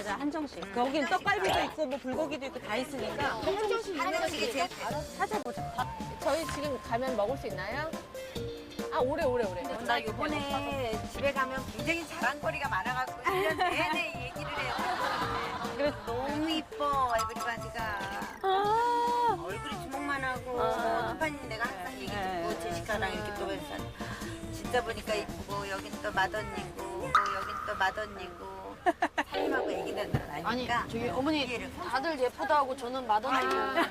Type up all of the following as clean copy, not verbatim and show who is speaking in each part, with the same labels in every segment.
Speaker 1: 가자, 한정식. 거긴 떡갈비도 있고, 뭐 불고기도 있고 다 있으니까.
Speaker 2: 한정식이 제일
Speaker 1: 찾아보자.
Speaker 3: 저희 지금 가면 먹을 수 있나요? 아, 오래.
Speaker 2: 나 이번에 집에 가면 굉장히 자랑거리가 많아갖고 1년 내내 얘기를 해요.
Speaker 1: 그래.
Speaker 2: 너무 이뻐, 에브리바디가. 얼굴이 주먹만 하고, 한판이 내가 항상 얘기 듣고, 제시카랑 이렇게 또 해서. 진짜 보니까 이쁘고, 여긴 또 맏언니고, 여긴 또 맏언니고, 살림하고 애기들 나니까.
Speaker 4: 아니 저기 어머니 다들 예쁘다고 저는 맏언니예요.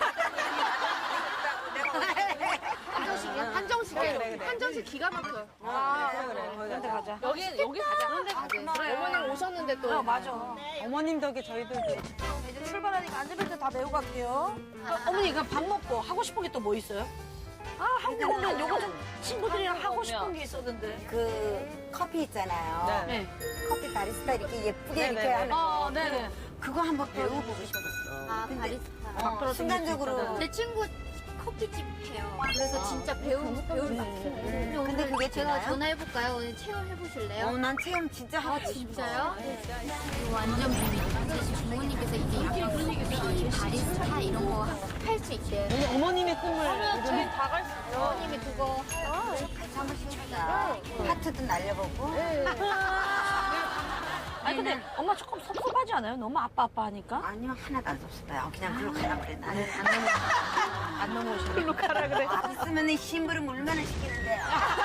Speaker 4: 한정식이에요. 한정식 기가 막혀요.
Speaker 1: 그래. 거기 가자.
Speaker 3: 여기 가자. 그런데 가자. 어머님 오셨는데 또.
Speaker 4: 맞아.
Speaker 1: 어머님 덕에 저희들도.
Speaker 4: 이제 출발하니까 안전벨트 다 매고 갈게요. 어머니 그 밥 먹고 하고 싶은 게 또 뭐 있어요? 아 한국 오면 요거 좀 친구들이랑 하고 싶은 게 있었는데.
Speaker 2: 그 커피 있잖아요.
Speaker 1: 네.
Speaker 2: 커피 바리스타 이렇게 예쁘게
Speaker 1: 네네.
Speaker 2: 이렇게 하는 거.
Speaker 4: 네네.
Speaker 2: 그거 한번 배워보고 싶었어.
Speaker 5: 아, 바리스타.
Speaker 2: 순간적으로.
Speaker 5: 제 친구 커피집 해요. 그래서 진짜 배울 것 같아요. 근데 오늘
Speaker 2: 근데 그게
Speaker 5: 제가
Speaker 2: 되나요?
Speaker 5: 전화해볼까요? 오늘 체험해보실래요?
Speaker 2: 난 체험 진짜 하고 싶어.
Speaker 5: 진짜요? 이거 완전 비밀이에요. 지금 부모님께서 이제 커피, 바리스타 이런 거 할 수 있대요.
Speaker 1: 어머님의 꿈을.
Speaker 3: 저희 다 갈 수 있어요.
Speaker 5: 부모님이 그거
Speaker 2: 같이 한번 시키자. 하트도 날려보고.
Speaker 4: 아니 근데 엄마 조금 섭섭하지 않아요? 너무 아빠 하니까?
Speaker 2: 아니요, 하나도 안 섭섭해요. 그냥 글로 가라 그래. 나는
Speaker 4: 안 넘어오시네.
Speaker 1: 글로 가라 그래.
Speaker 2: 있으면 심부름 얼마나 시키는데.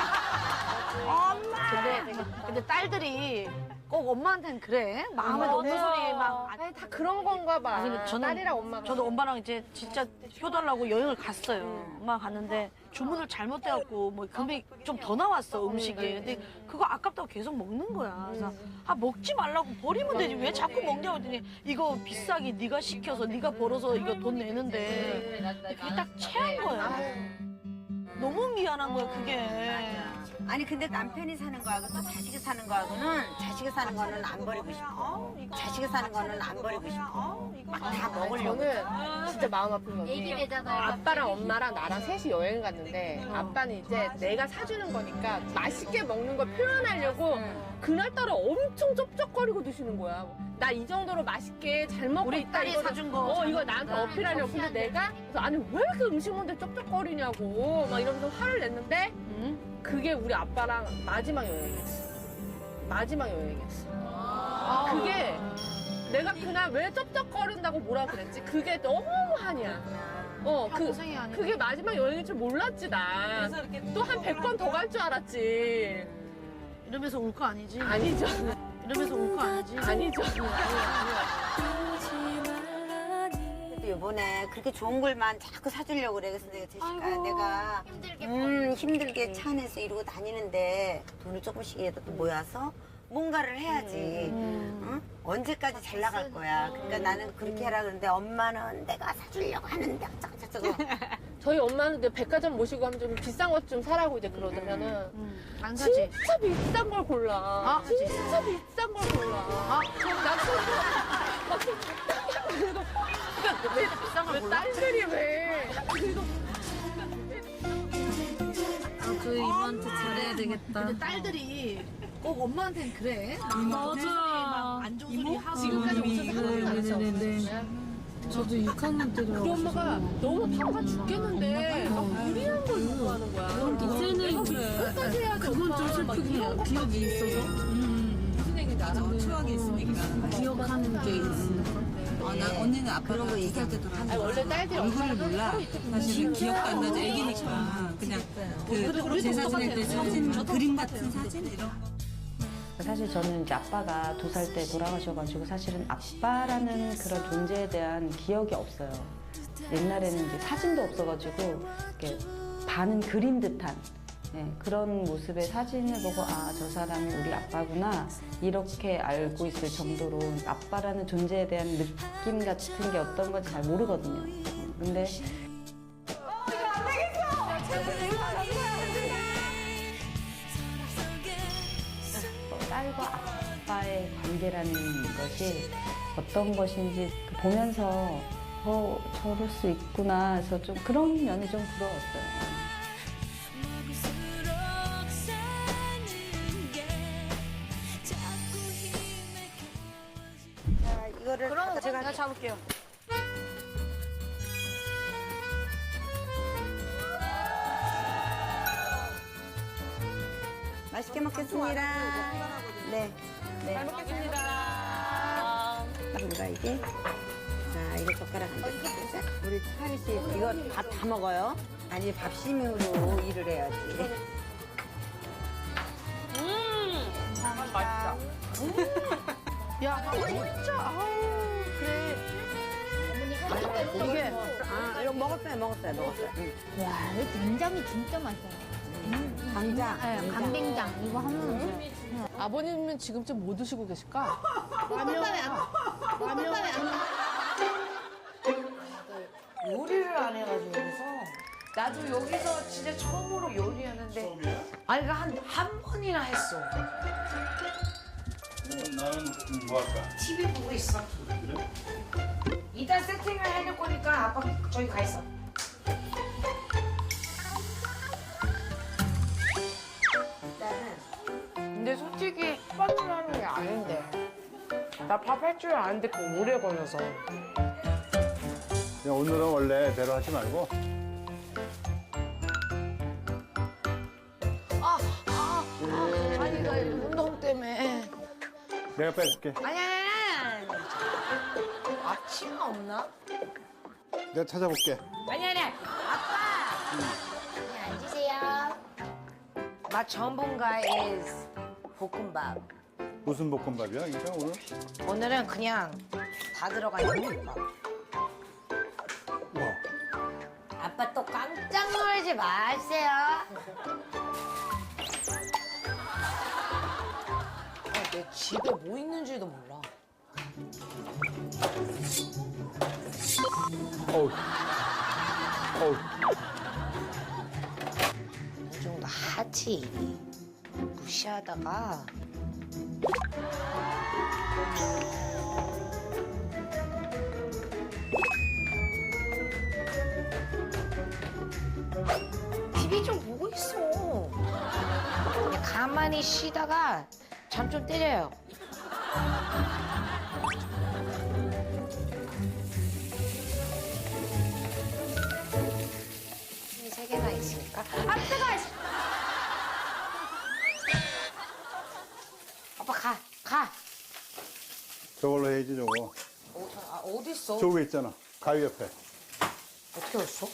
Speaker 4: 근데 딸들이 꼭 엄마한테는 그래. 마음에 없는 소리 막.
Speaker 3: 아니, 다 그런 건가 봐.
Speaker 4: 아니, 근데
Speaker 3: 딸이랑 엄마가.
Speaker 4: 저도 엄마랑 이제 진짜 효달라고 여행을 갔어요. 엄마 갔는데 주문을 잘못해갖고 뭐 금액이 좀 더 나왔어 음식이. 근데 그거 아깝다고 계속 먹는 거야. 그래서 아 먹지 말라고 버리면 되지 왜 자꾸 먹냐고 했더니 이거 비싸게 네가 시켜서 네가 벌어서 이거 돈 내는데 그게 딱 체한 거야. 너무 미안한 거야 그게.
Speaker 2: 아니, 근데 남편이 사는 거하고 또 자식이 사는 거하고는 자식이 사는 거는 안 버리고 싶어. 자식이 사는 거는 안 버리고 싶어. 막 다 먹으려고.
Speaker 3: 저는 진짜 마음 아픈 게
Speaker 5: 얘기 되잖아요.
Speaker 3: 아빠랑 엄마랑 나랑 셋이 여행 갔는데 아빠는 이제 내가 사주는 거니까 맛있게 먹는 걸 표현하려고 그날따라 엄청 쩝쩝거리고 드시는 거야. 나 이 정도로 맛있게 잘 먹고
Speaker 4: 우리
Speaker 3: 있다.
Speaker 4: 딸이
Speaker 3: 이거를-
Speaker 4: 사준 거.
Speaker 3: 이거 나한테 어필하려고. 근데 내가 그래서 아니 왜 이렇게 음식 먹는데 쩝쩝거리냐고 막 이러면서 화를 냈는데 그게 우리 아빠랑 마지막 여행이었어. 마지막 여행이었어. 그게 내가 그날 왜 쩝쩝거린다고 뭐라 그랬지? 그게 너무 한이야.
Speaker 4: 고생이 아니야.
Speaker 3: 그게 마지막 여행인 줄 몰랐지, 나. 또 한 100번 더 갈 줄 알았지.
Speaker 4: 이러면서 울 거 아니지?
Speaker 3: 아니죠.
Speaker 4: 이러면서 울 거 아니지?
Speaker 3: 아니죠.
Speaker 2: 그래도 이번에 그렇게 좋은 걸만 자꾸 사주려고 그래. 그래서 내가 제시카 내가
Speaker 5: 힘들게
Speaker 2: 힘들게 차 안에서 이러고 다니는데 돈을 조금씩이라도 또 모아서 뭔가를 해야지. 응? 언제까지 잘 나갈 거야. 그러니까 나는 그렇게 해라 그러는데 엄마는 내가 사주려고 하는데 어쩌고저쩌고.
Speaker 3: 저희 엄마는 이제 백화점 모시고 하면 좀 비싼 것 좀 사라고 이제 그러면은
Speaker 4: 안 사지.
Speaker 3: 진짜 비싼 걸 골라.
Speaker 4: 아,
Speaker 3: 진짜 비싼 걸 골라. 왜 비싼 걸 골라? 딸들이 왜?
Speaker 6: 그 이모한테 잘해야 되겠다.
Speaker 4: 근데 딸들이 꼭 엄마한테는 그래.
Speaker 6: 맞아.
Speaker 4: 안 좋은 소리 하고.
Speaker 3: 지금까지 오셔서
Speaker 6: 네네네. 저도 6학년 때도
Speaker 3: 우리 엄마가 너무 바빠 죽겠는데 막 무리한 걸 요구하는 거야.
Speaker 6: 이제는
Speaker 3: 끝까지 해야 돼.
Speaker 6: 그건 좀 슬프긴 해요. 기억이 있어서.
Speaker 3: 무슨 얘기인지 알아?
Speaker 7: 추억이 있으니까.
Speaker 6: 기억하는 게 있으니까.
Speaker 7: 나 언니는 아빠랑 2살 때 돌아가서
Speaker 3: 아니, 원래 딸들이
Speaker 7: 얼굴을 몰라. 사실은 기억도 안 나죠. 애기니까. 그냥 그 제사 지낼 때 사진, 그림 같은 사진 이런 거.
Speaker 8: 사실 저는 이제 아빠가 2살 때 돌아가셔가지고 사실은 아빠라는 그런 존재에 대한 기억이 없어요. 옛날에는 이제 사진도 없어가지고 이렇게 반은 그린 듯한 그런 모습의 사진을 보고 아, 저 사람이 우리 아빠구나 이렇게 알고 있을 정도로 아빠라는 존재에 대한 느낌 같은 게 어떤 건지 잘 모르거든요. 근데 딸과 아빠의 관계라는 것이 어떤 것인지 보면서 저럴 수 있구나 해서 좀 그런 면이 좀 부러웠어요.
Speaker 2: 이거를
Speaker 4: 그럼
Speaker 2: 제가
Speaker 4: 내가 잡을게요.
Speaker 2: 맛있게 먹겠습니다. 네. 네.
Speaker 3: 잘 먹겠습니다.
Speaker 2: 젓가락인가 이게? 자, 이거 젓가락 한 개. 우리 하리 씨 이거 밥 다 먹어요? 아니 밥심으로 일을 해야지.
Speaker 3: 맛있다.
Speaker 4: 야, 진짜, 아우, 그래. 이게,
Speaker 2: 아, 이거 먹었어요. 응.
Speaker 5: 와, 이 된장이 진짜 맛있어요.
Speaker 2: 감자.
Speaker 5: 네, 간된장 이거 하면
Speaker 3: 아버님은 지금쯤 뭐 드시고 계실까?
Speaker 9: 요리를 안 해가지고 여기서 나도 여기서 진짜 처음으로 요리하는데 아니 한 번이나 했어.
Speaker 10: 나는 뭐 할까?
Speaker 9: TV 보고 있어.
Speaker 10: 그래?
Speaker 9: 일단 세팅을 해놓을 거니까 아빠 저기 가 있어.
Speaker 6: 근데 솔직히 밥을 하는 게 아닌데. 나 밥 할 줄 아는데 그 오래 걸려서.
Speaker 10: 그냥 오늘은 원래대로 하지 말고
Speaker 6: 아니, 나 운동 때문에.
Speaker 10: 내가 빼줄게.
Speaker 6: 아니. 아침 없나?
Speaker 10: 내가 찾아볼게.
Speaker 6: 아니.
Speaker 5: 앉으세요.
Speaker 9: 나 전문가 is 볶음밥.
Speaker 10: 무슨 볶음밥이야? 그러니까 오늘?
Speaker 9: 오늘은 그냥 다 들어가 있는 볶음밥.
Speaker 10: 와.
Speaker 9: 아빠 또 깜짝 놀지 마세요. 내 집에 뭐 있는지도 몰라.
Speaker 10: 어우. 어우.
Speaker 9: 이 정도 하지. 무시하다가. TV 좀 보고 있어. 그냥 가만히 쉬다가 잠 좀 때려요. 힘이 3개나 있으니까. 아, 뜨거! 아빠 가.
Speaker 10: 저걸로 해야지 저거.
Speaker 9: 어디 있어?
Speaker 10: 저기 있잖아. 가위 옆에.
Speaker 9: 어떻게 왔어?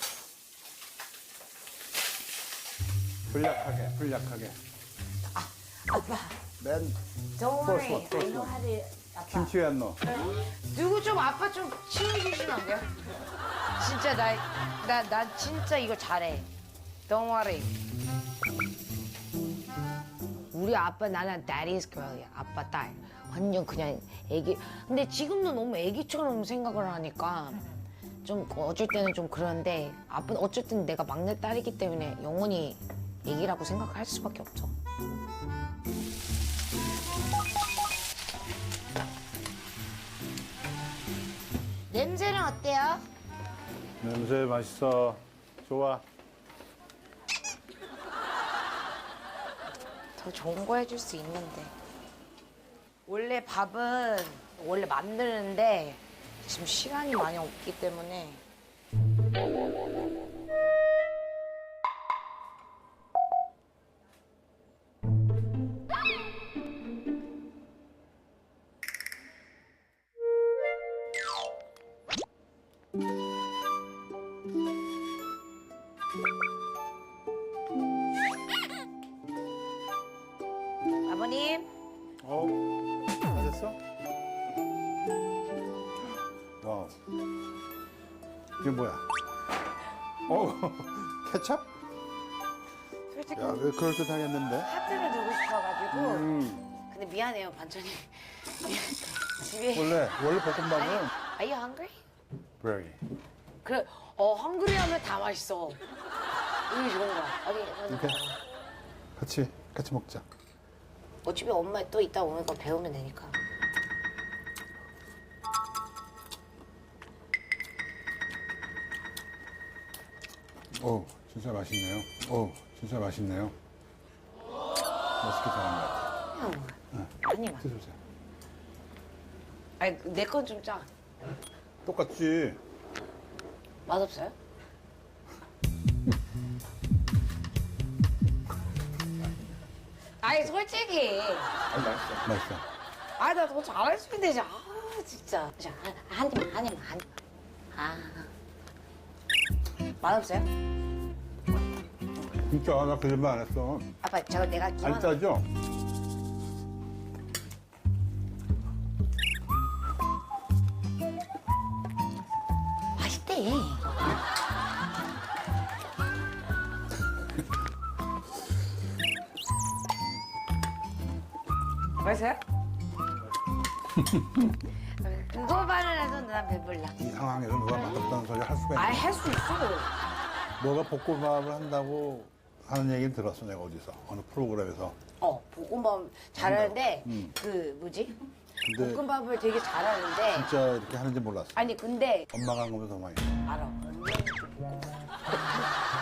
Speaker 10: 불약하게.
Speaker 9: 아빠,
Speaker 10: 맨
Speaker 9: don't
Speaker 10: First
Speaker 9: worry.
Speaker 10: one, first
Speaker 9: I know
Speaker 10: one.
Speaker 9: how to. 아빠.
Speaker 10: 김치 왜 안 넣어?
Speaker 9: 누구 좀 아빠 좀 치워주시면 안 돼요? 진짜 나 진짜 이거 잘해. Don't worry. 우리 아빠 나는 daddy's girl이야. 아빠 딸. 완전 그냥 애기. 근데 지금도 너무 애기처럼 생각을 하니까 좀 어쩔 때는 좀 그런데 아빠는 어쨌든 내가 막내 딸이기 때문에 영원히 애기라고 생각할 수밖에 없죠. 냄새는 어때요?
Speaker 10: 냄새 맛있어. 좋아.
Speaker 9: 더 좋은 거 해줄 수 있는데. 원래 밥은 원래 만드는데 지금 시간이 많이 없기 때문에. 아버님.
Speaker 10: 다 됐어? 와우. 이게 뭐야? 케첩?
Speaker 9: 솔직히
Speaker 10: 야, 왜 그럴듯하겠는데?
Speaker 9: 하트를 두고 싶어가지고. 근데 미안해요, 반찬이. 집에.
Speaker 10: 원래 볶음밥은
Speaker 9: Are you hungry?
Speaker 10: very.
Speaker 9: 그래, 헝그리 하면 다 맛있어. 이게 좋은 거야. 어디,
Speaker 10: 이렇게 같이 먹자.
Speaker 9: 어차피 엄마 또 이따 오면 거 배우면 되니까.
Speaker 10: 진짜 맛있네요. 진짜 맛있네요. 맛있게 잘한 것 같아.
Speaker 9: 아니, 막.
Speaker 10: 드셔보세요.
Speaker 9: 아니 내 건 좀 짜.
Speaker 10: 똑같지.
Speaker 9: 맛없어요? 아니 솔직히
Speaker 10: 아니, 맛있어. 맛있어.
Speaker 9: 아 나 더 잘할 수 있는데 아 진짜 한 입만 한 입만 한 입만 아 맛없어요?
Speaker 10: 진짜 나 거짓말 안 했어.
Speaker 9: 아빠 저거 내가 기만
Speaker 10: 안 짜죠?
Speaker 9: 맛있대. 맛있어요? 그거만을 해도 난 배불러.
Speaker 10: 이 상황에서 누가 맛없다는 소리 할 수가 있나?
Speaker 9: 아이 할 수 있어.
Speaker 10: 너가 볶음밥을 한다고 하는 얘기를 들었어, 내가 어디서. 어느 프로그램에서.
Speaker 9: 볶음밥 잘하는데
Speaker 10: 음.
Speaker 9: 그 뭐지?
Speaker 10: 근데
Speaker 9: 볶음밥을 되게 잘하는데
Speaker 10: 진짜 이렇게 하는지 몰랐어.
Speaker 9: 아니 근데
Speaker 10: 엄마가 한 거면 더 많이.
Speaker 9: 알아. 언니는 좀 볶음밥.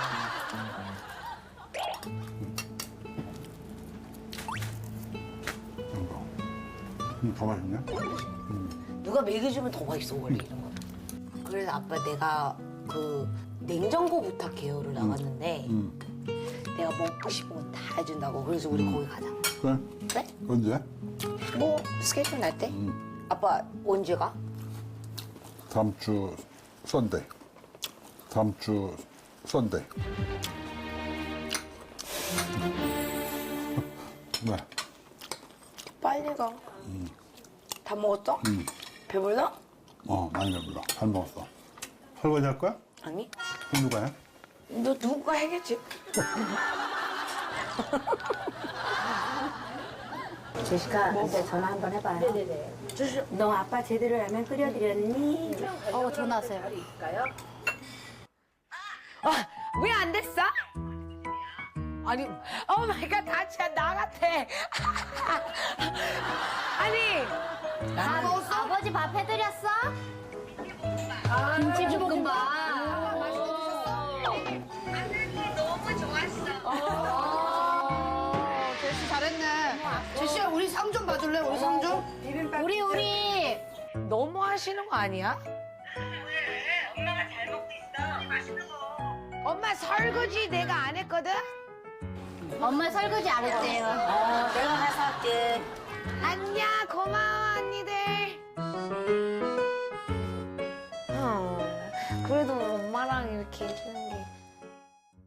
Speaker 10: 이거. 더 맛있네.
Speaker 9: 누가 먹여주면 더 맛있어 원래 이런 거. 그래서 아빠 내가 그 냉장고 부탁해요를 나갔는데 내가 먹고 싶은 건 다 해준다고. 그래서 우리 거기 가자.
Speaker 10: 그래?
Speaker 9: 그래?
Speaker 10: 언제?
Speaker 9: 뭐 스케줄 날 때? 아빠 언제 가?
Speaker 10: 다음 주 썬데이. 다음 주 썬데이. 네.
Speaker 9: 빨리 가. 다 먹었어? 배불러?
Speaker 10: 많이 배불러. 잘 먹었어. 설거지 할 거야?
Speaker 9: 아니.
Speaker 10: 그럼 누가 해?
Speaker 9: 너 누가 해겠지?
Speaker 2: 제시카, 이제 전화 한번 해봐요. 네네네. 너 아빠 제대로 라면 끓여드렸니?
Speaker 5: 전화 왔어요.
Speaker 9: 왜 안 됐어? 아니, 오 마이 갓, 다 진짜 나 같아. 아니, 다 먹었어?
Speaker 5: 아버지 밥 해드렸어? 김치볶음밥.
Speaker 4: 제시 잘했네. 제시야, 우리 상 좀 봐줄래? 우리 상 좀?
Speaker 5: 우리.
Speaker 9: 너무 하시는 거 아니야?
Speaker 2: 엄마가 잘 먹고 있어. 맛있는 거.
Speaker 9: 엄마 설거지 내가 안 했거든?
Speaker 5: 엄마 설거지 안 했대요.
Speaker 2: 내가 가서 할게.
Speaker 9: 안녕, 고마워, 언니들. 그래도 엄마랑 이렇게 해주는